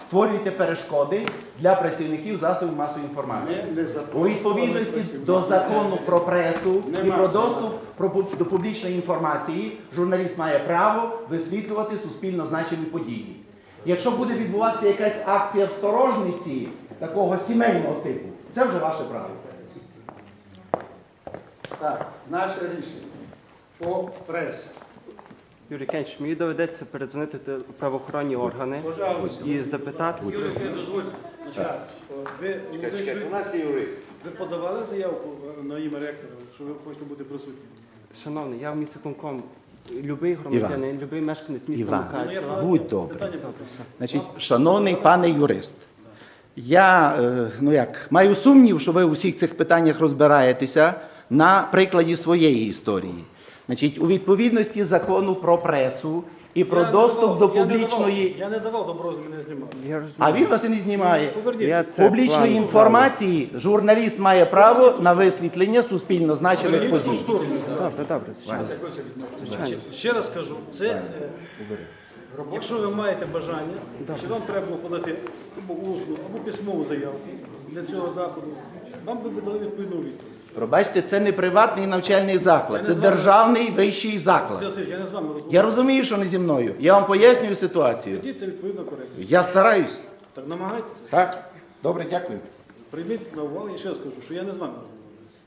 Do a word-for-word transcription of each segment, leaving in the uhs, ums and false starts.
створюєте перешкоди для працівників засобів масової інформації. У відповідності до закону про пресу і про доступ до публічної інформації журналіст має право висвітлювати суспільно значимі події. Якщо буде відбуватися якась акція в сторожниці такого сімейного типу, це вже ваше право. Так, наше рішення по пресі. Юрій Кенч, мені доведеться передзвонити в правоохоронні органи Пожалуйста. і запитати. Юрій, дозвольте. Ви, молодий чоловік, ви подавали заявку на ім'я ректора, що ви хочете бути присутніми? Шановний, я в міськвиконком, любий громадянин, любий мешканець міста Іван, Мукачева. будь добрий. Питання просто. Значить, шановний пане юрист, я е, ну як, маю сумнів, що ви у всіх цих питаннях розбираєтеся на прикладі своєї історії. Значить, у відповідності закону про пресу і про Я не доступ давав- до я не публічної... давав- Я не давав добро, мене знімали. Я розумію. А він вас і не знімає. Поверніть. Я це Публічної плану інформації журналіст має право на висвітлення суспільно значимих Поверніть ту подій. сторону. Добре, добре. Звичайно. Ще раз кажу, це, е, якщо ви маєте бажання, чи вам треба було подати або усну, або письмову заявку для цього заходу, вам би дали відповідну відповідь. Пробачте, це не приватний навчальний заклад, це державний вищий Це заклад. все, я не з вами розмовляю. Я розумію, що не зі мною. Я вам пояснюю ситуацію. Тоді це відповідно коректно. Я стараюсь. Так намагайтеся. Так? Добре, дякую. Прийміть на увагу, я ще раз кажу, що я не з вами розмовляю.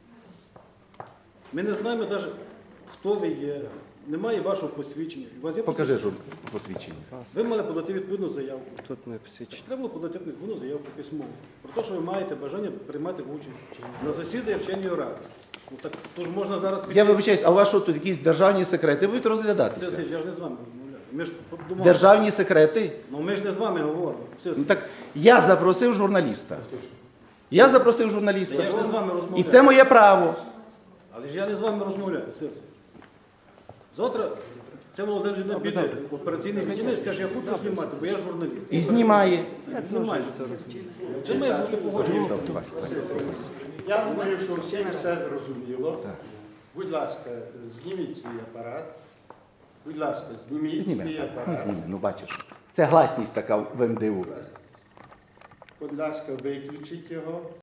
Ми не знаємо навіть, хто ви є, немає вашого посвідчення. У вас є Покажи жур посвідчення. Ви мали подати відповідну заявку. Тут ми посвідчені. Треба було подати відповідну заявку письмову. Про те, що ви маєте бажання приймати участь на засіданні вченої ради. Ну так, то ж можна зараз піти. Я вибачаюсь, а у вас що тут якісь державні секрети будуть Це, розглядатися? це, я ж не з вами розмовляю. Ми ж думали. Державні секрети? Ну ми ж не з вами говоримо. Все, Ну так я запросив журналіста. Я запросив журналіста. Я ж не з вами І розмовляю. це моє право. Але ж я не з вами розмовляю. Все, все. Завтра це молода людина піде в операційний кабінет і скаже, я хочу знімати, бо я журналіст. І знімає. Знімаю. Це має бути погоджено. Я думаю, що всім все зрозуміло. Будь ласка, зніміть свій апарат. Будь ласка, зніміть Зніме. свій Ну, апарат. зніме, ну бачиш. Це гласність така в ем де у. Будь ласка, виключіть його.